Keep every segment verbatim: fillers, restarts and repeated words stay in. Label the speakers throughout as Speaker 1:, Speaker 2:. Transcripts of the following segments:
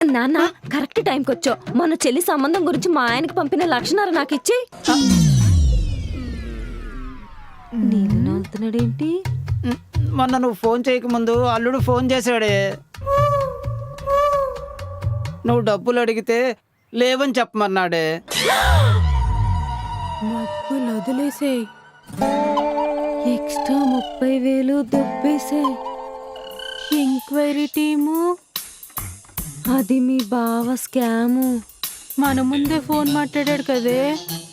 Speaker 1: నాన్న కరెక్ట్ టైంకి వచ్చావు. మన చెల్లి సంబంధం గురించి మా ఆయనకి పంపిన లక్షణాలు నాకు ఇచ్చి. నీళ్ళు నవ్వుతున్నాడేంటి?
Speaker 2: మొన్న నువ్వు ఫోన్ చేయకముందు అల్లుడు ఫోన్ చేశాడే. నువ్వు డబ్బులు అడిగితే లేవని చెప్పమన్నాడే.
Speaker 1: డబ్బులు వదిలేసాయి, ఎక్స్ట్రా ముప్పై వేలు దొబ్బేసాయి. ఎంక్వైరీ టీము అది మీ బావ స్కాము. మన ముందే ఫోన్ మాట్లాడాడు కదే.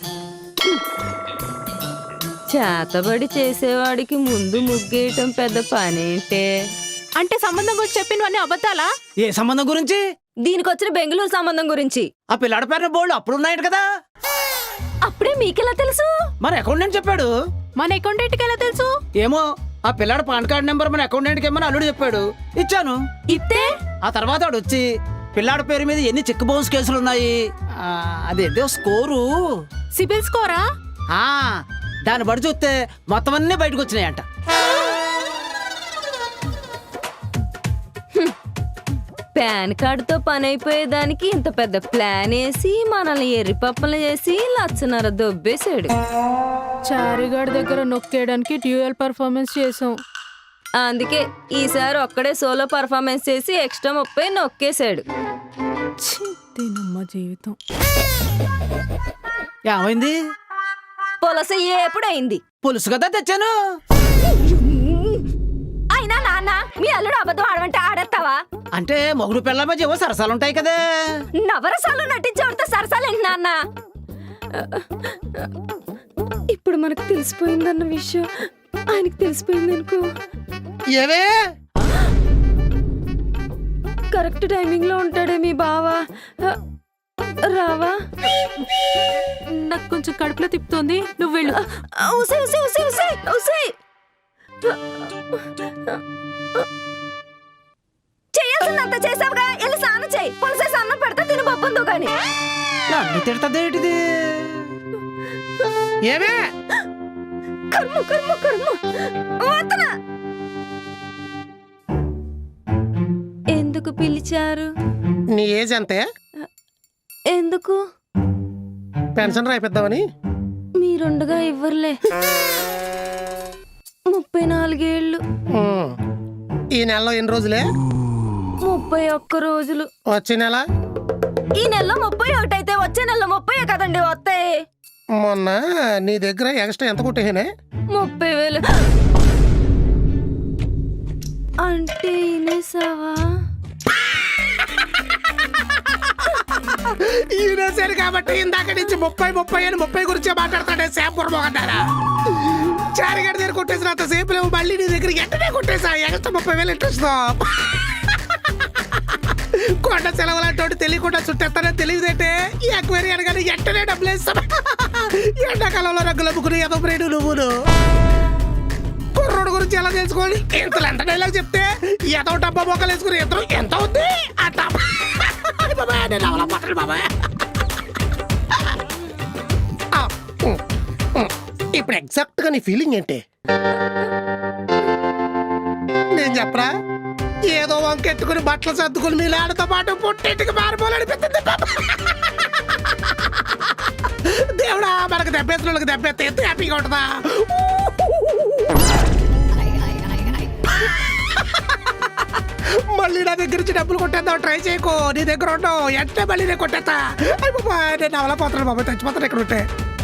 Speaker 1: చేతబడి చేసేవాడికి ముందు ముగ్గేయటం పెద్ద పనేంటే?
Speaker 3: అంటే సంబంధం గురించి చెప్పినవన్నీ అబద్ధాలా?
Speaker 2: ఏ సంబంధం గురించి?
Speaker 1: దీనికి వచ్చిన బెంగళూరు సంబంధం గురించి.
Speaker 2: ఆ పిల్లాడి పేరున బోర్డు అప్పుడు ఉన్నాయట కదా.
Speaker 1: అప్పుడే మీకెలా తెలుసు?
Speaker 2: మన అకౌంటెంట్ చెప్పాడు.
Speaker 3: మన అకౌంటెంట్కి ఎలా తెలుసు?
Speaker 2: ఏమో ఆ పిల్లాడు పాన్ కార్డ్ నెంబర్ మన అకౌంటెంట్కి ఏమని అల్లుడు చెప్పాడు. ఇచ్చాను.
Speaker 3: ఇత్తే
Speaker 2: ఆ తర్వాత వాడు వచ్చి పిల్లాడి పేరు మీద ఎన్ని చెక్ బౌన్స్ కేసులు ఉన్నాయి, అదేదో స్కోరు,
Speaker 3: సిబిల్ స్కోరా,
Speaker 2: ఆ దాన్ని బడి చూస్తే మొత్తం అన్నీ బయటకు వచ్చినాయంట.
Speaker 1: పాన్ కార్డుతో పని అయిపోయేదానికి ఇంత పెద్ద ప్లాన్ వేసి మనల్ని ఎర్రిపప్పలు చేసి లచ్చనర దొబ్బేశాడు.
Speaker 3: చారిగాడి దగ్గర నొక్కేయడానికి డ్యూయల్ పర్ఫార్మెన్స్ చేసాం.
Speaker 1: అందుకే ఈసారి ఒక్కడే సోలో పర్ఫార్మెన్స్ చేసి ఎక్స్ట్రా ముప్పై నొక్కేశాడు.
Speaker 3: దీనమ్మ జీవితం.
Speaker 2: ఏమైంది?
Speaker 1: పొలస ఎప్పుడైంది?
Speaker 2: పులుసు కదా తెచ్చాను.
Speaker 1: అయినా నాన్న మీ అల్లుడు అబద్ధం ఆడమంటే ఆడేస్తావా?
Speaker 2: అంటే మొగుడు పిల్లల మధ్య ఏవో సరసాలు ఉంటాయి కదా.
Speaker 1: నవరసాలు నటించేవాడితో సరసాలేంటి నాన్న? ఇప్పుడు మనకు తెలిసిపోయిందన్న విషయం ఆయనకి తెలిసిపోయింది అనుకో.
Speaker 2: ఏవే
Speaker 1: కరెక్ట్ టైమింగ్ లో ఉంటాడే మీ బావా. రావా?
Speaker 3: నాకు కొంచెం కడుపులో తిప్పుతోంది, నువ్వు వెళ్ళు.
Speaker 1: ఉసే ఉసే ఉసే ఉసే ఉసే చేయాల్సిందంత చేసావుగా, వెళ్ళి స్నానం చేయి. పులిసేసి అన్నం పెడతా తిని బొప్పందో గాని.
Speaker 2: నన్ను తిడతదేటిది? ఏమే
Speaker 1: కర్మ కర్మ కర్మ. వదనా. ఎందుకు పిలిచారు?
Speaker 4: నీ ఏజ్ అంతే?
Speaker 1: ఎందుకు?
Speaker 4: పెన్షన్ రాయిద్దామని.
Speaker 1: మీరుండగా ఇవ్వర్లే. ముప్పై నాలుగేళ్లు.
Speaker 4: ఈ నెలలో ఎన్ని రోజులే?
Speaker 1: ముప్పై ఒక్క రోజులు.
Speaker 4: వచ్చే నెల?
Speaker 1: ఈ నెలలో ముప్పై ఒకటి అయితే వచ్చే నెలలో ముప్పై కదండి వస్తాయి.
Speaker 4: మొన్న నీ దగ్గర ఎక్స్ట్రా ఎంత కొట్టేనే?
Speaker 1: ముప్పై వేలు. అంటే ఇనేసావా?
Speaker 4: ఈయనేసారు కాబట్టి ఇందాక నుంచి ముప్పై ముప్పై అని ముప్పై గురించే మాట్లాడతాడే శాంపూర్ మొగంటారా. చారిగడి దగ్గర కొట్టేసినంత సేపు లేవు, మళ్ళీ నీ దగ్గర ఎంటనే కొట్టేసా ఎక్స్ట్రా ముప్పై వేలు ఇంట్రెస్ట్. కొండ సెలవులంటోటి తెలియకుండా చుట్టేస్తానని తెలియదేంటే ఈ అక్వేరి అనగానే ఎంటనే డబ్బులు వేస్తాను. ఎండాకాలంలో రంగులు అమ్ముకుని ఎదో బ్రేడు నువ్వును. కుర్రోడు గురించి ఎలా తెలుసుకోవాలి? ఇంతలు ఎంత డైలాగ్ చెప్తే ఎదో డబ్బా మొక్కలు వేసుకుని ఎంత ఎంత ఉంది అంట. బాబాయ్ నేను అవలా పట్టను బాబాయ్. ఇప్పుడు ఎగ్జాక్ట్ గా నీ ఫీలింగ్ ఏంటి? నేను చెప్పరా? ఏదో వంకెత్తుకుని బట్టలు సర్దుకుని మీ లాడతో పాటు పుట్టింటికి మారిపోవాలనిపిస్తుంది. దేవుడా మనకు దెబ్బేసిన వాళ్ళకి దెబ్బెత్తే ఎంత హ్యాపీగా ఉంటుందా? మళ్ళీ నా దగ్గర నుంచి డబ్బులు కొట్టేద్దాం ట్రై చేయకో. నీ దగ్గర ఉండవు ఎంటే మళ్ళీ నేను కొట్టేస్తా. నేను అవలా పోతాను బాబాయ్, చచ్చిపోతాను ఇక్కడ ఉంటే.